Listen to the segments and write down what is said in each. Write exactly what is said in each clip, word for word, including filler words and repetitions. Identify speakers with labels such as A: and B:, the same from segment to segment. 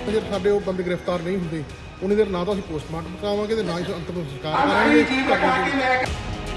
A: ਜੇ ਸਾਡੇ ਉਹ ਬੰਦੇ ਗ੍ਰਿਫਤਾਰ ਨਹੀਂ ਹੁੰਦੇ ਉਨੀ ਦੇਰ ਨਾ ਤਾਂ ਅਸੀਂ ਪੋਸਟਮਾਰਟਮ ਕਰਾਵਾਂਗੇ ਤੇ ਨਾ ਹੀ ਅੰਤਿਮ ਸੰਸਕਾਰ ਕਰਾਂਗੇ।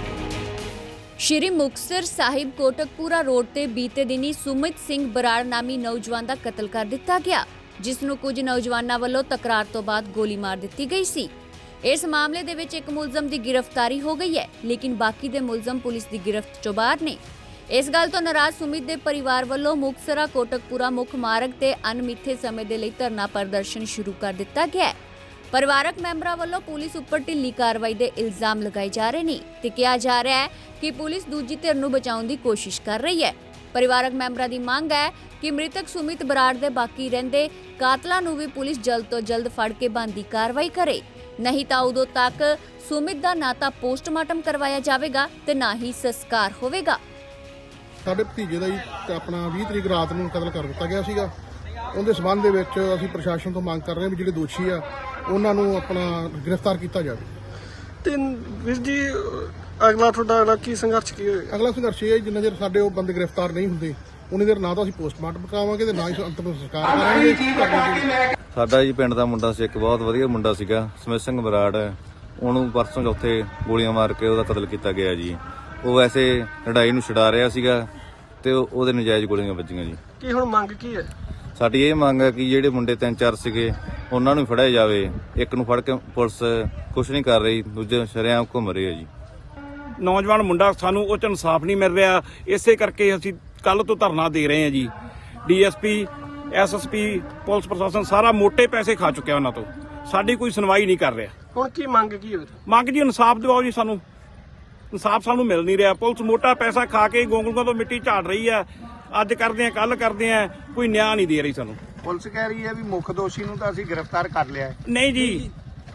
B: ਸ਼੍ਰੀ ਮੁਕਤਸਰ ਸਾਹਿਬ ਕੋਟਕਪੂਰਾ ਰੋਡ ਤੇ ਬੀਤੇ ਦਿਨੀ ਸੁਮਿਤ ਸਿੰਘ ਬਰਾੜ ਨਾਮੀ ਨੌਜਵਾਨ ਦਾ ਕਤਲ ਕਰ ਦਿੱਤਾ ਗਿਆ, ਜਿਸ ਨੂੰ ਕੁਝ ਨੌਜਵਾਨਾਂ ਵੱਲੋਂ ਤਕਰਾਰ ਤੋਂ ਬਾਅਦ ਗੋਲੀ ਮਾਰ ਦਿੱਤੀ ਗਈ ਸੀ। ਇਸ ਮਾਮਲੇ ਦੇ ਵਿੱਚ ਇੱਕ ਮੁਲਜ਼ਮ ਦੀ ਗ੍ਰਿਫਤਾਰੀ ਹੋ ਗਈ ਹੈ, ਲੇਕਿਨ ਬਾਕੀ ਦੇ ਮੁਲਜ਼ਮ ਪੁਲਿਸ ਦੀ ਗਿਰਫਤ ਚੋਂ ਬਾਹਰ ਨੇ। ਇਸ ਗੱਲ ਤੋਂ ਨਾਰਾਜ਼ ਸੁਮਿਤ ਦੇ ਪਰਿਵਾਰ ਵੱਲੋਂ ਮੁਕਤਸਰਾ ਕੋਟਕਪੂਰਾ ਮੁੱਖ ਮਾਰਗ ਤੇ ਅਣਮਿੱਥੇ ਸਮੇਂ ਦੇ ਲਈ ਧਰਨਾ ਪ੍ਰਦਰਸ਼ਨ ਸ਼ੁਰੂ ਕਰ ਦਿੱਤਾ ਗਿਆ ਹੈ। ਪਰਿਵਾਰਕ ਮੈਂਬਰਾਂ ਵੱਲੋਂ ਪੁਲਿਸ ਉੱਪਰ ਢਿੱਲੀ ਕਾਰਵਾਈ ਦੇ ਇਲਜ਼ਾਮ ਲਗਾਏ ਜਾ ਰਹੇ ਨੇ ਤੇ ਕਿਹਾ ਜਾ ਰਿਹਾ ਹੈ ਕਿ ਪੁਲਿਸ ਦੂਜੀ ਧਿਰ ਨੂੰ ਬਚਾਉਣ ਦੀ ਕੋਸ਼ਿਸ਼ ਕਰ ਰਹੀ ਹੈ। ਪਰਿਵਾਰਕ ਮੈਂਬਰਾਂ ਦੀ ਮੰਗ ਹੈ ਕਿ ਮ੍ਰਿਤਕ ਸੁਮਿਤ ਬਰਾੜ ਦੇ ਬਾਕੀ ਰਹਿੰਦੇ ਕਾਤਲਾਂ ਨੂੰ ਵੀ ਪੁਲਿਸ ਜਲਦ ਤੋਂ ਜਲਦ ਫੜ ਕੇ ਬਣਦੀ ਕਾਰਵਾਈ ਕਰੇ, ਨਹੀਂ ਤਾਂ ਉਦੋਂ ਤੱਕ ਸੁਮਿਤ ਦਾ ਨਾ ਤਾਂ ਪੋਸਟਮਾਰਟਮ ਕਰਵਾਇਆ ਜਾਵੇਗਾ ਤੇ ਨਾ ਹੀ ਸੰਸਕਾਰ ਹੋਵੇਗਾ।
A: ਸਾਡੇ ਭਤੀਜੇ ਦਾ ਹੀ ਆਪਣਾ ਵੀਹ ਤਰੀਕ ਰਾਤ ਨੂੰ ਕਤਲ ਕਰ ਦਿੱਤਾ ਗਿਆ ਸੀਗਾ। ਉਹਦੇ ਸਬੰਧ ਦੇ ਵਿੱਚ ਅਸੀਂ ਪ੍ਰਸ਼ਾਸਨ ਤੋਂ ਮੰਗ ਕਰ ਰਹੇ ਹਾਂ ਵੀ ਜਿਹੜੇ ਦੋਸ਼ੀ ਆ ਉਹਨਾਂ ਨੂੰ ਆਪਣਾ ਗ੍ਰਿਫਤਾਰ ਕੀਤਾ ਜਾਵੇ।
C: ਤੇ ਵੀਰ ਜੀ ਅਗਲਾ ਤੁਹਾਡਾ ਅਗਲਾ ਕੀ ਸੰਘਰਸ਼ ਕੀ ਹੋਏਗਾ?
A: ਅਗਲਾ ਸੰਘਰਸ਼ ਇਹ ਹੈ ਜਿੰਨਾ ਚਿਰ ਸਾਡੇ ਉਹ ਬੰਦੇ ਗ੍ਰਿਫਤਾਰ ਨਹੀਂ ਹੁੰਦੇ ਉਨੀ ਦੇਰ ਨਾ ਤਾਂ ਅਸੀਂ ਪੋਸਟਮਾਰਟਮ ਕਰਾਵਾਂਗੇ ਤੇ ਨਾ ਹੀ ਅੰਤਿਮ ਸੰਸਕਾਰ ਕਰਾਂਗੇ।
D: ਸਾਡਾ ਜੀ ਪਿੰਡ ਦਾ ਮੁੰਡਾ ਸੀ, ਇੱਕ ਬਹੁਤ ਵਧੀਆ ਮੁੰਡਾ ਸੀਗਾ ਸੁਮਿਤ ਸਿੰਘ ਬਰਾੜ। ਉਹਨੂੰ ਪਰਸੋਂ ਚੌਥੇ ਗੋਲੀਆਂ ਮਾਰ ਕੇ ਉਹਦਾ ਕਤਲ ਕੀਤਾ ਗਿਆ ਜੀ। ਉਹ ਵੈਸੇ ਲੜਾਈ ਨੂੰ ਛੁਡਾ ਰਿਹਾ ਸੀਗਾ ਤੇ ਉਹਦੇ ਨਜਾਇਜ਼ ਗੋਲੀਆਂ ਵੱਜੀਆਂ ਜੀ।
C: ਕੀ ਹੁਣ ਮੰਗ ਕੀ ਹੈ?
D: ਸਾਡੀ ਇਹ ਮੰਗ ਹੈ ਕਿ ਜਿਹੜੇ ਮੁੰਡੇ ਤਿੰਨ ਚਾਰ ਸੀਗੇ ਉਹਨਾਂ ਨੂੰ ਫੜਿਆ ਜਾਵੇ। ਇੱਕ ਨੂੰ ਫੜ ਕੇ ਪੁਲਿਸ ਕੁਛ ਨਹੀਂ ਕਰ ਰਹੀ, ਦੂਜੇ ਸ਼ਰੇਆਮ ਘੁੰਮ ਰਹੇ ਆ ਜੀ।
E: ਨੌਜਵਾਨ ਮੁੰਡਾ ਸਾਨੂੰ ਉਹ 'ਚ ਇਨਸਾਫ ਨਹੀਂ ਮਿਲ ਰਿਹਾ, ਇਸੇ ਕਰਕੇ ਅਸੀਂ ਕੱਲ ਤੋਂ ਧਰਨਾ ਦੇ ਰਹੇ ਹਾਂ ਜੀ। ਡੀਐਸਪੀ ਐਸਐਸਪੀ ਪੁਲਿਸ ਪ੍ਰਸ਼ਾਸਨ ਸਾਰਾ ਮੋਟੇ ਪੈਸੇ ਖਾ ਚੁੱਕਿਆ ਉਹਨਾਂ ਤੋਂ, ਸਾਡੀ ਕੋਈ ਸੁਣਵਾਈ ਨਹੀਂ ਕਰ ਰਿਹਾ।
C: ਹੁਣ ਕੀ ਮੰਗ ਕੀ ਹੈ?
E: ਮੰਗ ਜੀ ਇਨਸਾਫ ਦਿਵਾਓ ਜੀ, ਸਾਨੂੰ ਇਨਸਾਫ ਸਾਨੂੰ ਮਿਲ ਨਹੀਂ ਰਿਹਾ। ਪੁਲਿਸ ਮੋਟਾ ਪੈਸਾ ਖਾ ਕੇ ਗੋਂਗਲੂਆਂ ਤੋਂ ਮਿੱਟੀ ਝਾੜ ਰਹੀ ਆ, ਅੱਜ ਕਰਦੇ ਆ ਕੱਲ ਕਰਦੇ ਆ, ਕੋਈ ਨਿਆਂ ਨਹੀਂ ਦੇ ਰਹੀ ਸਾਨੂੰ।
F: ਪੁਲਿਸ ਕਹਿ ਰਹੀ ਹੈ ਵੀ ਮੁੱਖ ਦੋਸ਼ੀ ਨੂੰ ਤਾਂ ਅਸੀਂ ਗ੍ਰਿਫਤਾਰ ਕਰ ਲਿਆ।
E: ਨਹੀਂ ਜੀ,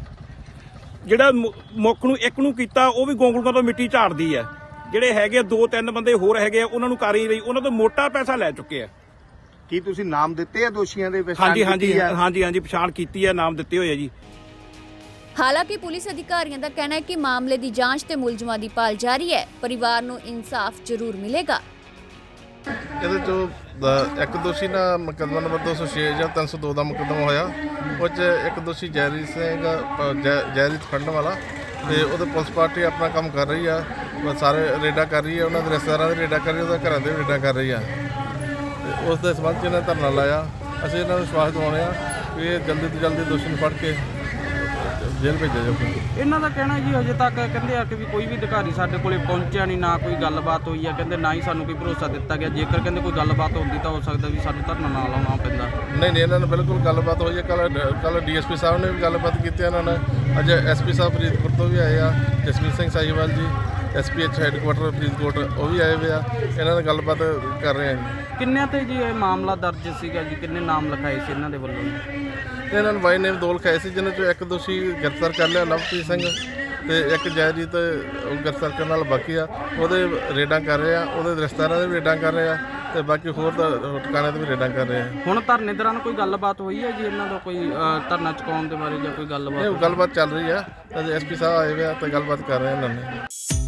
E: ਜਿਹੜਾ ਮੁੱਖ ਨੂੰ ਇੱਕ ਨੂੰ ਕੀਤਾ ਉਹ ਵੀ ਗੋਂਗਲੂਆਂ ਤੋਂ ਮਿੱਟੀ ਝਾੜਦੀ ਆ। ਜਿਹੜੇ ਹੈਗੇ ਦੋ ਤਿੰਨ ਬੰਦੇ ਹੋਰ ਹੈਗੇ ਆ ਉਹਨਾਂ ਨੂੰ ਕਰ ਹੀ ਰਹੀ, ਉਹਨਾਂ ਤੋਂ ਮੋਟਾ ਪੈਸਾ ਲੈ ਚੁੱਕੇ ਆ।
F: ਕੀ ਤੁਸੀਂ ਨਾਮ ਦਿੱਤੇ ਆ ਦੋਸ਼ੀਆਂ ਦੇ?
E: ਹਾਂਜੀ ਹਾਂਜੀ ਹਾਂਜੀ ਹਾਂਜੀ ਪਛਾਣ ਕੀਤੀ ਹੈ, ਨਾਮ ਦਿੱਤੇ ਹੋਏ ਆ ਜੀ।
B: ਹਾਲਾਂਕਿ ਪੁਲਿਸ ਅਧਿਕਾਰੀਆਂ ਦਾ ਕਹਿਣਾ ਹੈ ਕਿ ਮਾਮਲੇ ਦੀ ਜਾਂਚ ਤੇ ਮੁਲਜ਼ਮਾਂ ਦੀ ਭਾਲ ਜਾਰੀ ਹੈ। ਪਰਿਵਾਰ ਨੂੰ ਇਨਸਾਫ ਜ਼ਰੂਰ ਮਿਲੇਗਾ।
G: ਇਹਦੇ ਚੋਂ ਇੱਕ ਦੋਸ਼ੀ ਨਾਲ ਮੁਕੱਦਮਾ ਨੰਬਰ ਦੋ ਸੌ ਛੇ ਜਾਂ ਤਿੰਨ ਸੌ ਦੋ ਦਾ ਮੁਕੱਦਮਾ ਹੋਇਆ। ਉਹ 'ਚ ਇੱਕ ਦੋਸ਼ੀ ਜੈਰੀ ਸਿੰਘ ਜੈਰੀ ਖੰਡ ਵਾਲਾ, ਤੇ ਉਹਦੇ ਪੁਲਿਸ ਪਾਰਟੀ ਆਪਣਾ ਕੰਮ ਕਰ ਰਹੀ ਆ। ਸਾਰੇ ਰੇਡਾਂ ਕਰ ਰਹੀ ਆ, ਉਹਨਾਂ ਦੇ ਰਿਸ਼ਤੇਦਾਰਾਂ ਦੇ ਰੇਡਾਂ ਕਰ ਰਹੀ ਆ, ਉਹਦੇ ਘਰਾਂ ਦੇ ਵੀ ਰੇਡਾਂ ਕਰ ਰਹੀ ਆ। ਤੇ ਉਸ ਦੇ ਸਬੰਧ 'ਚ ਇਹਨਾਂ ਧਰਨਾ ਲਾਇਆ। ਅਸੀਂ ਇਹਨਾਂ ਨੂੰ ਵਿਸ਼ਵਾਸ ਦਿਵਾਉਂਦੇ ਆ ਕਿ ਇਹ ਜਲਦੀ ਤੋਂ ਜਲਦੀ ਦੋਸ਼ੀ ਨੂੰ ਫੜ ਕੇ ਜੇਲ੍ਹ ਭੇਜਿਆ ਜਾਊਗਾ।
H: ਇਹਨਾਂ ਦਾ ਕਹਿਣਾ ਜੀ ਹਜੇ ਤੱਕ ਕਹਿੰਦੇ ਆ ਕਿ ਵੀ ਕੋਈ ਵੀ ਅਧਿਕਾਰੀ ਸਾਡੇ ਕੋਲੇ ਪਹੁੰਚਿਆ ਨਹੀਂ, ਨਾ ਕੋਈ ਗੱਲਬਾਤ ਹੋਈ ਆ। ਕਹਿੰਦੇ ਨਾ ਹੀ ਸਾਨੂੰ ਕੋਈ ਭਰੋਸਾ ਦਿੱਤਾ ਗਿਆ। ਜੇਕਰ ਕਹਿੰਦੇ ਕੋਈ ਗੱਲਬਾਤ ਹੁੰਦੀ ਤਾਂ ਹੋ ਸਕਦਾ ਵੀ ਸਾਨੂੰ ਧਰਨਾ ਨਾ ਲਾਉਣਾ ਪੈਂਦਾ।
G: ਨਹੀਂ ਨਹੀਂ, ਇਹਨਾਂ ਨਾਲ ਬਿਲਕੁਲ ਗੱਲਬਾਤ ਹੋਈ ਹੈ। ਕੱਲ ਕੱਲ ਡੀਐਸਪੀ ਸਾਹਿਬ ਨੇ ਵੀ ਗੱਲਬਾਤ ਕੀਤੀ ਇਹਨਾਂ ਨਾਲ। ਅੱਜ ਐਸਪੀ ਸਾਹਿਬ ਫਰੀਦਕੋਟ ਤੋਂ ਵੀ ਆਏ ਆ, ਜਸਮੀਤ ਸਿੰਘ ਸਾਹੀਵਾਲ ਜੀ ਐਸਪੀਐਚ ਹੈੱਡਕੁਆਟਰ ਫਰੀਦਕੋਟ, ਉਹ ਵੀ ਆਏ ਹੋਏ ਆ। ਇਹਨਾਂ ਨਾਲ ਗੱਲਬਾਤ ਕਰ ਰਹੇ ਆ ਜੀ।
H: ਕਿੰਨਿਆਂ ਤੇ ਜੀ ਇਹ ਮਾਮਲਾ ਦਰਜ ਸੀਗਾ ਜੀ? ਕਿੰਨੇ ਨਾਮ ਲਿਖਾਏ ਸੀ ਇਹਨਾਂ ਦੇ ਵੱਲੋਂ?
G: ਤੇ ਇਹਨਾਂ ਨੂੰ ਬਾਈ ਨੇਮ ਦੋ ਲਿਖਾਏ ਸੀ, ਜਿਹਨਾਂ ਚੋਂ ਇੱਕ ਦੋਸ਼ੀ ਗ੍ਰਿਫਤਾਰ ਕਰ ਲਿਆ ਲਵਪ੍ਰੀਤ ਸਿੰਘ, ਤੇ ਇੱਕ ਜੈਰੀ ਤੇ ਉਹ ਗ੍ਰਿਫਤਾਰ ਕਰਨ ਨਾਲ ਬਾਕੀ ਆ। ਉਹਦੇ ਰੇਡਾਂ ਕਰ ਰਹੇ ਆ, ਉਹਦੇ ਰਿਸ਼ਤੇਦਾਰਾਂ ਦੇ ਵੀ ਰੇਡਾਂ ਕਰ ਰਹੇ ਆ, ਤੇ ਬਾਕੀ ਹੋਰ ਟਿਕਾਣਿਆਂ ਤੇ ਵੀ ਰੇਡਾਂ ਕਰ ਰਹੇ ਆ।
H: ਹੁਣ ਧਰਨੇ ਦੌਰਾਨ ਕੋਈ ਗੱਲਬਾਤ ਹੋਈ ਹੈ ਜੀ ਇਹਨਾਂ ਦਾ? ਕੋਈ ਧਰਨਾ ਚੁਕਾਉਣ ਦੇ ਬਾਰੇ ਜਾਂ ਕੋਈ ਗੱਲਬਾਤ?
G: ਇਹ ਗੱਲਬਾਤ ਚੱਲ ਰਹੀ ਆ। ਐਸਪੀ ਸਾਹਿਬ ਆਏ ਹੋਏ ਆ ਤੇ ਗੱਲਬਾਤ ਕਰ ਰਹੇ ਇਹਨਾਂ ਨੇ।